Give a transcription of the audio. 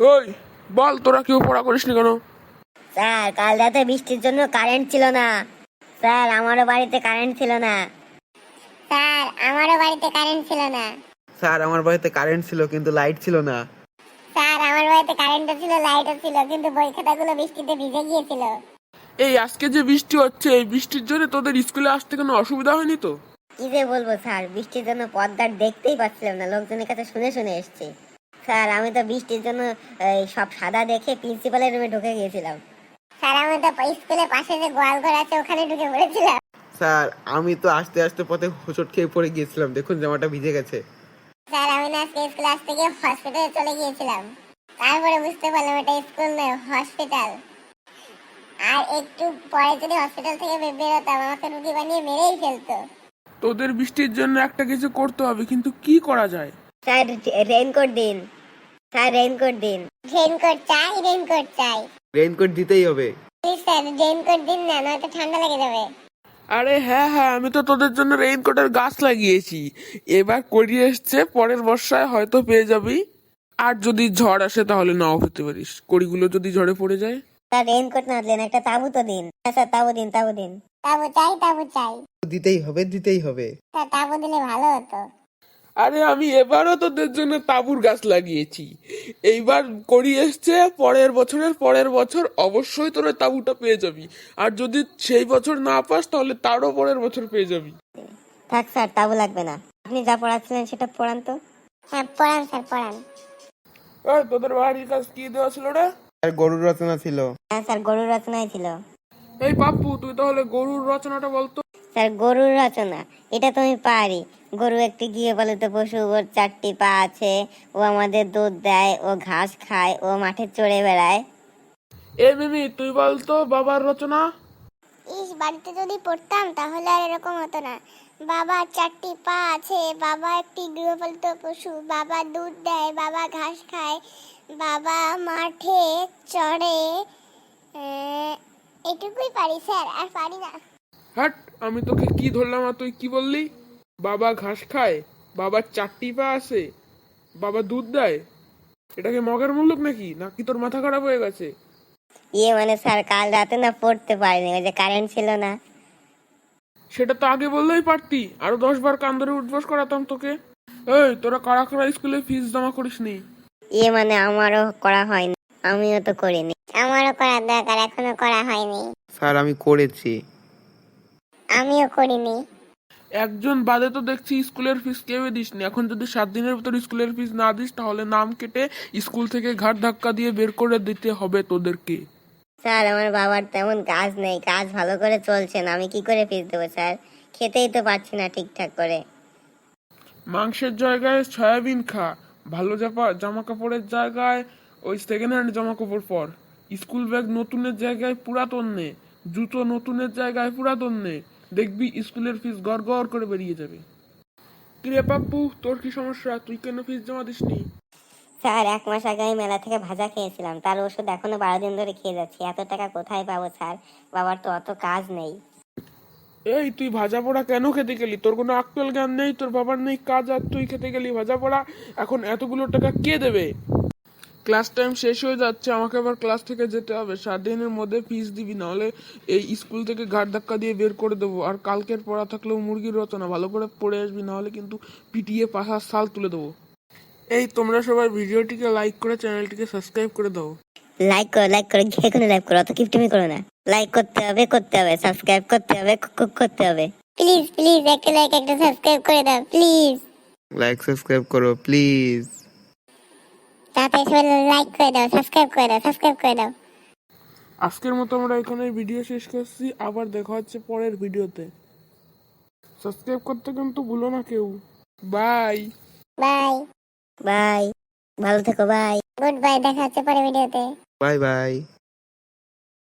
ওই বল, তোরা কেউ পড়া করিসনি কেন? স্যার কাল রাতে বৃষ্টির জন্য কারেন্ট ছিল না। স্যার আমারও বাড়িতে কারেন্ট ছিল না। স্যার আমারও বাড়িতে কারেন্ট ছিল না। স্যার আমার বাড়িতে কারেন্ট ছিল কিন্তু লাইট ছিল না। স্যার আমার বাড়িতে কারেন্টও ছিল, লাইটও ছিল, কিন্তু বই খাতাগুলো বৃষ্টিতে ভিজে গিয়েছিল। এই আজকে যে বৃষ্টি হচ্ছে, এই বৃষ্টির জন্য তোদের স্কুলে আসতে কোনো অসুবিধা হয়নি তো? কি যে বলবো স্যার, বৃষ্টির জন্য পথঘাট দেখতেই পাচ্ছিলাম না, লোকজনের কাছে শুনে শুনে এসেছি। স্যার আমি তো বৃষ্টির জন্য সব সাদা দেখে প্রিন্সিপালের রুমে ঢুকে গিয়েছিলাম। স্যার আমি তো স্কুলের পাশে যে গোয়াল ঘর আছে ওখানে ঢুকে পড়েছিলাম। স্যার আমি তো আস্তে আস্তে পথে হোঁচট খেয়ে পড়ে গিয়েছিলাম, দেখুন জামাটা ভিজে গেছে। স্যার আমি না আজকে স্কুলে আসতে গিয়ে হসপিটালে চলে গিয়েছিলাম, তারপরে বুঝতে পারলাম এটা স্কুল নয়, হসপিটাল। আর একটু পরে যদি হসপিটাল থেকে বেরোতাম আমাকে রুগী বানিয়ে মেরেই ফেলতো। তোদের বৃষ্টির জন্য একটা কিছু করতে হবে, কিন্তু কি করা যায়? স্যার রেইনকোট দিন, স্যার রেইনকোট দিন। রেইনকোট চাই, রেইনকোট চাই। রেইনকোট দিতেই হবে। প্লিজ স্যার রেইনকোট দিন না, নয়তো ঠান্ডা লেগে যাবে। আরে হ্যাঁ হ্যাঁ, আমি তো তোদের জন্য রেইনকোটের গাছ লাগিয়েছি। এবার করিয়ে এসছে, পরের বর্ষায় হয়তো পেয়ে যাবি। আর যদি ঝড় আসে তাহলে নাও পেতে পারিস, কড়িগুলো যদি ঝড়ে পড়ে যায়। স্যার রেইনকোট না দিলেন, একটা তাবু তো দিন। হ্যাঁ স্যার তাবু দিন, তাবু দিন। তাবু চাই, তাবু চাই। দিতেই হবে, দিতেই হবে। স্যার তাবু দিলে ভালো হতো। আরে আমি এবারও তোদের জন্য তাঁবুর গাছ লাগিয়েছি। এইবার করি এসছে, পরের বছর অবশ্যই তোরা তাঁবুটা পেয়ে যাবি। আর যদি সেই বছর না পাস তাহলে তারও পরের বছর পেয়ে যাবি। থাক স্যার তাবু লাগবে না, আপনি যা পড়াচ্ছিলেন সেটা পড়ান তো। হ্যাঁ পড়ান স্যার, পড়ান। এই তোদের বাড়ির কাজ কি দেওয়া ছিল রে? আর গরুর রচনা ছিল। হ্যাঁ স্যার গরুর রচনাই ছিল। এই পাপ্পু, তুই তাহলে গরুর রচনাটা বলতো। স্যার গরুর রচনা এটা তো আমি পারি। গরু একটি গৃহপালিত পশু, ওর 4টি পা আছে, ও আমাদের দুধ দেয়, ও ঘাস খায়, ও মাঠে চড়ে বেড়ায়। এ মিমি, তুই বলতো বাবার রচনা। বাড়িতে যদি পড়তাম তাহলে আর এরকম হতো না। বাবার 4টি পা আছে, বাবা একটি গৃহপালিত পশু, বাবা দুধ দেয়, বাবা ঘাস খায়, বাবা মাঠে চড়ে। এটুকুই পারি স্যার, আর পারি না। হাট, আমি তোকে কি ধরলাম আর তুই কি বললি? বাবা ঘাস খায়, বাবার 4টি পা আছে, বাবা দুধ দেয়। এটাকে মগের মুল্লুক নাকি তোর মাথা খারাপ হয়ে গেছে? মানে স্যার কাল রাতে না পড়তে পারিনি, ওই যে কারেন্ট ছিল না। সেটা তো আগে বললেই পারতি, আরো 10 বার কান ধরে উঠবস করাতাম তোকে। এই তোরা কারা কারা স্কুলে ফিস জমা করিসনি? মানে আমারও করা হয়নি, আমিও তো করিনি। আমারও করার দরকার, এখনো করা হয়নি। স্যার আমি করেছি। আমিও করিনি। একজন বাদে তো দেখছি স্কুলের ফিস কেউই দিসনি। এখন যদি 7 দিনের ভিতর স্কুলের ফিস না দিস তাহলে নাম কেটে স্কুল থেকে ঘাট ধাক্কা দিয়ে বের করে দিতে হবে তোদেরকে। স্যার আমার বাবার তেমন কাজ নেই, কাজ ভালো করে চলছে না, আমি কি করে ফিস দেবো স্যার? খেতেই তো পারছি না ঠিকঠাক করে। মাংসের জায়গায় সয়াবিন খা, ভালো জামা কাপড়ের জায়গায় ওই সেকেন্ড হ্যান্ড জামা কাপড় পর, স্কুল ব্যাগ নতুনের জায়গায় পুরাতন নে, জুতো নতুনের জায়গায় পুরাতন নে, দেখবি স্কুলের ফিস গড় গড় করে বেরিয়ে যাবে। কিরে পাপ্পু, তোর কি সমস্যা? তুই কেন ফিস জমা দিসনি? স্যার 1 মাস আগে আমি মেলা থেকে ভাজা খেয়েছিলাম, তার ওষুধ এখনো 12 দিন ধরে খেয়ে যাচ্ছি। এত টাকা কোথায় পাবো স্যার? বাবার তো অত কাজ নেই। এই তুই ভাজা পোড়া কেন খেতে গেলি? তোর কোনো আক্কেল জ্ঞান নেই, তোর বাবার নেই কাজ, আর তুই খেতে গেলি ভাজা পোড়া। এখন এতগুলো টাকা কে দেবে? ক্লাস টাইম শেষ হয়ে যাচ্ছে, আমাকে আবার ক্লাস থেকে যেতে হবে। 7 দিনের মধ্যে ফিস দিবি, নাহলে এই স্কুল থেকে ঘাট ধাক্কা দিয়ে বের করে দেবো। আর কালকের পড়া থাকলেও মুরগির রচনা ভালো করে পড়ে আসবি, নাহলে কিন্তু পিটিয়ে পাশার সাল তুলে দেবো। এই তোমরা সবাই ভিডিওটিকে লাইক করে চ্যানেলটিকে সাবস্ক্রাইব করে দাও। লাইক করো, লাইক করো, যে কোনো লাইক করো, অত কিপটিমি করো না। লাইক করতে হবে, সাবস্ক্রাইব করতে হবে, করতে হবে। প্লিজ প্লিজ একটা লাইক, একটা সাবস্ক্রাইব করে দাও প্লিজ। লাইক সাবস্ক্রাইব করো প্লিজ। তাড়াতাড়ি সবাই লাইক করে দাও, সাবস্ক্রাইব করে দাও, সাবস্ক্রাইব করে দাও। আজকের মতো আমরা এখানে ভিডিও শেষ করছি, আবার দেখা হচ্ছে পরের ভিডিওতে। সাবস্ক্রাইব করতে কিন্তু ভুলো না কেউ। বাই বাই বাই, ভালো থেকো, বাই। গুড বাই, দেখা হচ্ছে পরের ভিডিওতে। Bye by.